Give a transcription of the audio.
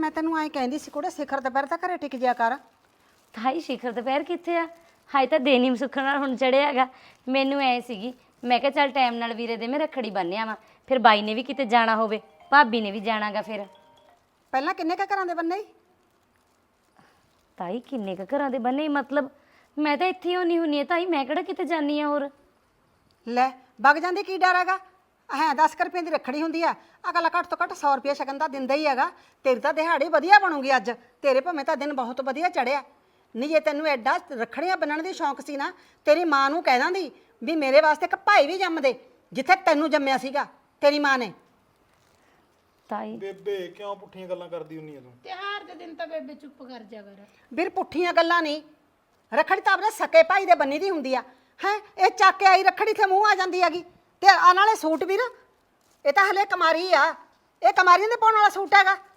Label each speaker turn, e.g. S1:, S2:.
S1: ਮੈਂ ਤੈਨੂੰ ਐਂ ਕਹਿੰਦੀ ਸੀ ਕੁੜੇ ਸਿਖਰ ਦੁਪਹਿਰ ਤਾਂ ਘਰੇ ਟਿਕ ਜਿਆ ਕਰ।
S2: ਤਾਈ ਸ਼ਿਖਰ ਦੁਪਹਿਰ ਕਿੱਥੇ ਆ? ਹਾਏ ਤਾਂ ਦਿਨ ਹੀ ਸੁੱਖ ਨਾਲ ਹੁਣ ਚੜਿਆ ਹੈਗਾ। ਮੈਨੂੰ ਐ ਸੀਗੀ ਮੈਂ ਕਿਹਾ ਚੱਲ ਟਾਈਮ ਨਾਲ ਵੀਰੇ ਦੇ ਮੈਂ ਰੱਖੜੀ ਬੰਨ੍ਹਿਆ ਵਾ, ਫਿਰ ਬਾਈ ਨੇ ਵੀ ਕਿਤੇ ਜਾਣਾ ਹੋਵੇ, ਭਾਬੀ ਨੇ ਵੀ ਜਾਣਾਗਾ। ਫਿਰ
S1: ਪਹਿਲਾਂ ਕਿੰਨੇ ਕੁ ਘਰਾਂ ਦੇ ਬੰਨੇ ਈ?
S2: ਤਾਈ ਕਿੰਨੇ ਕੁ ਘਰਾਂ ਦੇ ਬੰਨੇ? ਮਤਲਬ ਮੈਂ ਤਾਂ ਇੱਥੇ ਹੀ ਹੁੰਨੀ ਹੁੰਨੀ ਆ ਤਾਈ, ਮੈਂ ਕਿਹੜਾ ਕਿਤੇ ਜਾਨੀ ਆ। ਹੋਰ
S1: ਲੈ ਵਗ ਜਾਂਦੀ ਕੀ ਡਰ ਹੈਗਾ? ਹੈ 10 ਰੁਪਏ ਦੀ ਰੱਖੜੀ ਹੁੰਦੀ ਆ, ਅਗਲਾ ਘੱਟ ਤੋਂ ਘੱਟ 100 ਰੁਪਏ ਸ਼ਗਨ ਦਾ ਦਿੰਦਾ ਹੀ ਹੈਗਾ। ਤੇਰੀ ਤਾਂ ਦਿਹਾੜੀ ਵਧੀਆ ਬਣੂਗੀ ਅੱਜ, ਤੇਰੇ ਭਾਵੇਂ ਤਾਂ ਦਿਨ ਬਹੁਤ ਵਧੀਆ ਚੜਿਆ। ਨਹੀਂ ਜੇ ਤੈਨੂੰ ਐਡਾ ਰੱਖੜੀਆਂ ਬੰਨਣ ਦੀ ਸ਼ੌਂਕ ਸੀ ਨਾ, ਤੇਰੀ ਮਾਂ ਨੂੰ ਕਹਿ ਦਾਂਦੀ ਵੀ ਮੇਰੇ ਵਾਸਤੇ ਇੱਕ ਭਾਈ ਵੀ ਜੰਮ ਦੇ ਜਿੱਥੇ ਤੈਨੂੰ ਜੰਮਿਆ ਸੀਗਾ ਤੇਰੀ ਮਾਂ ਨੇ।
S2: ਤਾਈ
S3: ਬੇਬੇ ਕਿਉਂ ਪੁੱਠੀਆਂ ਗੱਲਾਂ ਕਰਦੀ ਹੁੰਨੀ ਆ ਤੂੰ?
S4: ਤਿਉਹਾਰ ਦੇ ਦਿਨ ਤਾਂ ਬੇਬੇ ਚੁੱਪ ਕਰ ਜਾ ਕਰ।
S1: ਵੀਰ ਪੁੱਠੀਆਂ ਗੱਲਾਂ ਨਹੀਂ, ਰੱਖੜੀ ਤਾਂ ਆਪਣੇ ਸਕੇ ਭਾਈ ਦੇ ਬੰਨੀ ਦੀ ਹੁੰਦੀ ਆ। ਹੈ ਇਹ ਚੱਕ ਕੇ ਆਈ ਰੱਖੜੀ ਤੇ ਮੂੰਹ ਆ ਜਾਂਦੀ ਹੈਗੀ। ਤੇ ਆ ਨਾਲੇ ਸੂਟ ਵੀਰ, ਇਹ ਤਾਂ ਹਲੇ ਕੁਮਾਰੀ ਆ, ਇਹ ਕੁਮਾਰੀਆਂ ਦੇ ਪਾਉਣ ਵਾਲਾ ਸੂਟ ਹੈਗਾ।